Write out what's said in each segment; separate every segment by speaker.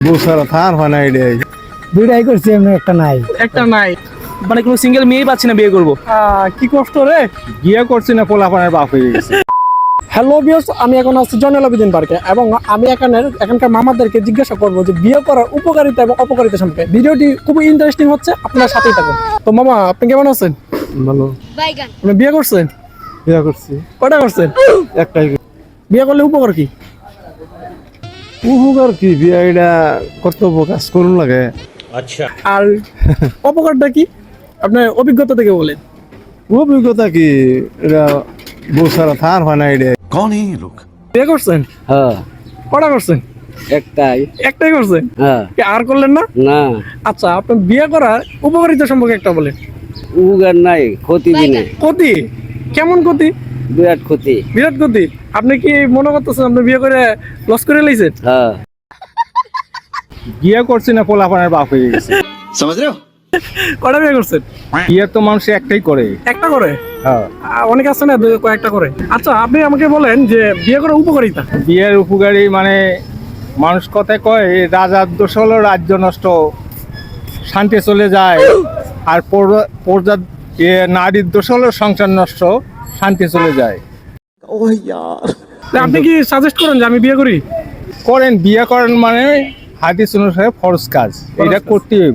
Speaker 1: বুসারা থার হয় না এটাই
Speaker 2: দুইটাই করছি এমনি একটা নাই
Speaker 3: মানে কোনো সিঙ্গেল মেয়ে পাচ্ছি না বিয়ে করবো।
Speaker 2: কি কষ্ট রে।
Speaker 1: বিয়ে করছি না পোলাপানের বাপ হয়ে গেছে।
Speaker 2: হ্যালো ভিউয়ার্স, আমি এখন আছি জয়নুল আবেদিন পার্কে এবং আমি এখানকার মামাদেরকে জিজ্ঞাসা করবো যে বিয়ে করার উপকারিতা এবং অপকারিতা সম্পর্কে। ভিডিওটি খুবই ইন্টারেস্টিং হচ্ছে, আপনার সাথেই থাকুন। তো মামা, আপনি কেমন আছেন?
Speaker 1: ভালো।
Speaker 2: আপনি বিয়ে করছেন?
Speaker 1: বিয়ে করছি।
Speaker 2: কয়টা করছেন?
Speaker 1: একটাই।
Speaker 2: বিয়ে করলে উপকার কি?
Speaker 1: উপকার কি, বিয়ে এটা কর্তব্য কাজ করুন লাগে।
Speaker 3: আচ্ছা।
Speaker 2: আর অপকারটা কি আপনার অভিজ্ঞতা থেকে বলেন।
Speaker 1: অভিজ্ঞতা কি, এটা বুসারা থার হয় না এটাই।
Speaker 4: कौन है ये लोग?
Speaker 2: বিয়ে করছেন?
Speaker 5: হ্যাঁ,
Speaker 2: কয়টা করছেন? একটাই করছেন?
Speaker 5: হ্যাঁ,
Speaker 2: কি আর করলেন না?
Speaker 5: না
Speaker 2: আচ্ছা, আপনি বিয়ে করার উপকারিতা সম্পর্কে একটা বলেন।
Speaker 5: উগার নাই, ক্ষতি দিনে
Speaker 2: ক্ষতি? কেমন ক্ষতি?
Speaker 5: বিরাট ক্ষতি।
Speaker 2: বিরাট ক্ষতি? আপনি কি মনে করতেছেন আপনি বিয়ে করে লস করে লাইছেন?
Speaker 5: হ্যাঁ,
Speaker 1: বিয়ে করছি না পোলাপানের বাপ হয়ে গেছে।
Speaker 4: समझ रहे हो?
Speaker 2: কয়টা বিয়ে করছেন?
Speaker 1: বিয়ে তো মানুষ একটাই করে।
Speaker 2: একটা করে?
Speaker 1: হ্যাঁ।
Speaker 2: অনেক আছে না কয়েকটা করে। আচ্ছা, আপনি আমাকে বলেন যে বিয়ে করার উপকারিতা।
Speaker 1: বিয়ের উপকারী মানে মানুষ কথায় কয় রাজার দোষ হলো রাজ্য নষ্ট, শান্তি চলে যায়। আর নারীর দোষ হলো সংসার নষ্ট, শান্তি চলে যায়।
Speaker 2: আপনি কি সাজেস্ট করেন যে আমি বিয়ে করি?
Speaker 1: করেন, বিয়ে করেন মানে হাদিস অনুসারে ফরজ কাজ, এটা করতে হইব।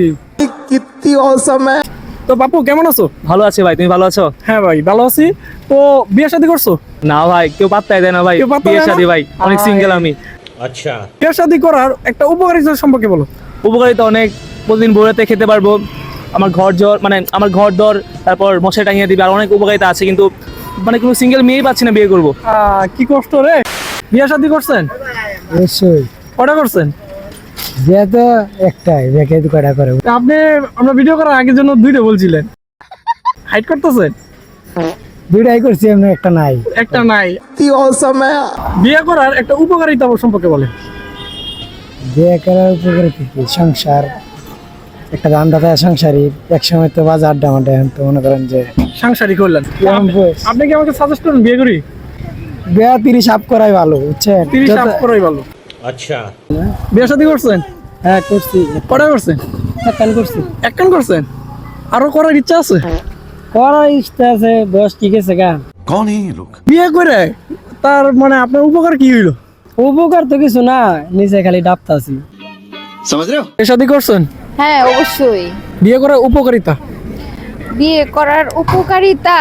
Speaker 2: তো বাপু, কেমন আছো?
Speaker 3: ভালো আছে ভাই, তুমি ভালো আছো?
Speaker 2: হ্যাঁ ভাই, ভালো আছি। তো বিয়ে শাদী করছো?
Speaker 3: না ভাই, কেউ পাত্তাই দেয় না ভাই।
Speaker 2: কেউ পাত্তা
Speaker 3: বিয়ে
Speaker 2: দেয় না?
Speaker 3: শাদী ভাই, অনেক সিঙ্গেল আমি।
Speaker 4: अच्छा।
Speaker 2: বিয়ে শাদী করার একটা উপকারিতা সম্পর্কে বলো।
Speaker 3: উপকারিতা অনেক, প্রতিদিন বউরাতে খেতে পারবো, আমার ঘর দর, তারপর মশাই টাঙিয়ে দিবে, আর অনেক উপকারিতা আছে, কিন্তু মানে কোনো সিঙ্গেল মেয়ে পাচ্ছি না বিয়ে করবো।
Speaker 2: কি কষ্ট রে। বিয়ে শাদী করছেন?
Speaker 5: অবশ্যই।
Speaker 2: কয়টা করছেন?
Speaker 5: বিয়ে তো একটাই, দেখে তো কয়টা করে।
Speaker 2: তা আপনি আমরা ভিডিও করার আগের জন্য দুইটা বলছিলেন, হাইড করতেছেন?
Speaker 5: দুইটাই করছি এমনি একটা নাই।
Speaker 2: একটা নাই? বিয়ে করার একটা উপকারিতা সম্পর্কে বলেন।
Speaker 5: বিয়ে করার উপকারে কি সংসার, একটা দান্দাতা সংসারী, এক সময় তো বাজার আড্ডা মাড্ডা, এখন তো মনে করেন যে
Speaker 2: সাংসারিক করলেন। আপনি কি আমাকে সাজেস্ট করেন বিয়ে করি?
Speaker 5: বিয়ে 30 আপ করাই ভালো, বুঝছেন?
Speaker 2: 30 আপ করাই ভালো।
Speaker 4: अच्छा।
Speaker 2: বিয়ে শাদী করছেন?
Speaker 5: হ্যাঁ করছি,
Speaker 2: কটা করছেন?
Speaker 5: একখান করছি।
Speaker 2: একখান করছেন? আরো করার ইচ্ছা আছে?
Speaker 5: করার ইচ্ছা আছে, বয়স ঠিক আছে গা।
Speaker 4: कौन है ये लोग?
Speaker 2: বিয়ে করে তার মানে আপনার উপকার কি হইলো?
Speaker 5: উপকার তো কিছু না, নিচে খালি ডাবতা আছি।
Speaker 4: समझ रहे हो?
Speaker 2: বিয়ে শাদী করছেন?
Speaker 6: হ্যাঁ, অবশ্যই।
Speaker 2: বিয়ে করার উপকারিতা?
Speaker 6: বিয়ে করার উপকারিতা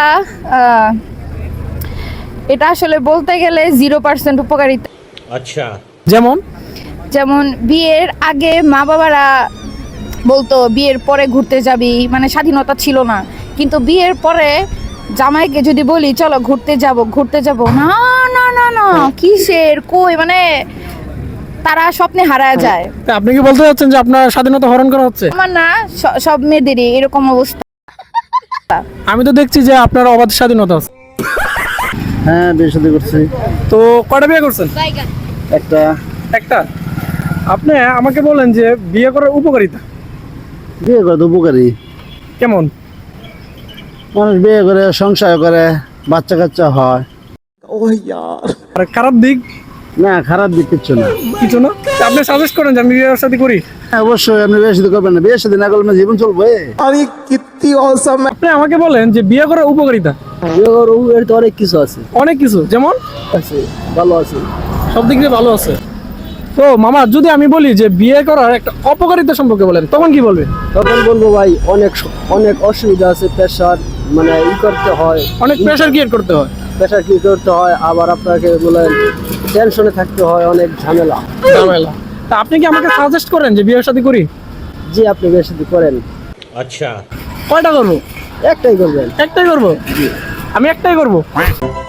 Speaker 6: এটা আসলে বলতে গেলে 0% উপকারিতা।
Speaker 4: अच्छा।
Speaker 2: যেমন?
Speaker 6: যেমন বিয়ের আগে মা বাবারা বলতো বিয়ের পরে ঘুরতে যাবি, মানে স্বাধীনতা ছিল না। কিন্তু বিয়ের পরে জামাইকে যদি বলি চলো ঘুরতে যাব, না না না না, কিসের কই, মানে তারা স্বপ্নে হারায় যায়।
Speaker 2: তা আপনি কি বলতে চাচ্ছেন যে আপনার স্বাধীনতা হরণ করা হচ্ছে?
Speaker 6: আমার না, সব মেয়েদেরই এরকম অবস্থা।
Speaker 2: আমি তো দেখছি যে আপনার অবাধ স্বাধীনতা আছে।
Speaker 1: হ্যাঁ, বিয়ে শাদী করছি।
Speaker 2: তো কয়টা বিয়ে করছেন?
Speaker 1: একটা।
Speaker 2: একটা? আপনি আমাকে বলেন যে বিয়ে করার উপকারিতা।
Speaker 1: বিয়ে করে তো উপকারী।
Speaker 2: কেমন?
Speaker 1: মানুষ বিয়ে করে সংসার করে, বাচ্চা কাচ্চা হয়।
Speaker 2: আর খারাপ দিক?
Speaker 1: না, খারাপ দিক কিচ্ছু না।
Speaker 2: কিছু না? তা আপনি সাজেস্ট করেন যে আমি বিয়ে শাদী করি?
Speaker 1: হ্যাঁ, অবশ্যই আপনি বিয়ে শাদী করবেন না, বিয়ে শাদী না করলে জীবন চলবে।
Speaker 2: আপনি আমাকে বলেন যে বিয়ে করার উপকারিতা।
Speaker 5: বিয়ে করার উপকার তো অনেক কিছু আছে।
Speaker 2: অনেক কিছু? যেমন?
Speaker 5: ভালো আছে,
Speaker 2: সব দিক দিয়ে ভালো আছে। তো মামা, যদি আমি বলি যে বিয়ে করার একটা অপকারিতা সম্পর্কে বলেন, তখন কি বলবেন?
Speaker 5: তখন বলবো ভাই অনেক অসুবিধা আছে, প্রেশার মানে করতে হয়,
Speaker 2: অনেক প্রেশার ক্রিয়েট করতে হয়।
Speaker 5: প্রেশার কি করতে হয়, আবার আপনাকে বলেন টেনশনে থাকতে হয়, অনেক ঝামেলা।
Speaker 2: তা আপনি কি আমাকে সাজেস্ট করেন যে বিয়ে শাদী করি?
Speaker 5: জি, আপনি বেশি করেন।
Speaker 4: अच्छा।
Speaker 2: কয়টা করবো?
Speaker 5: একটাই করবেন।
Speaker 2: একটাই করবো? আমি একটাই করবো।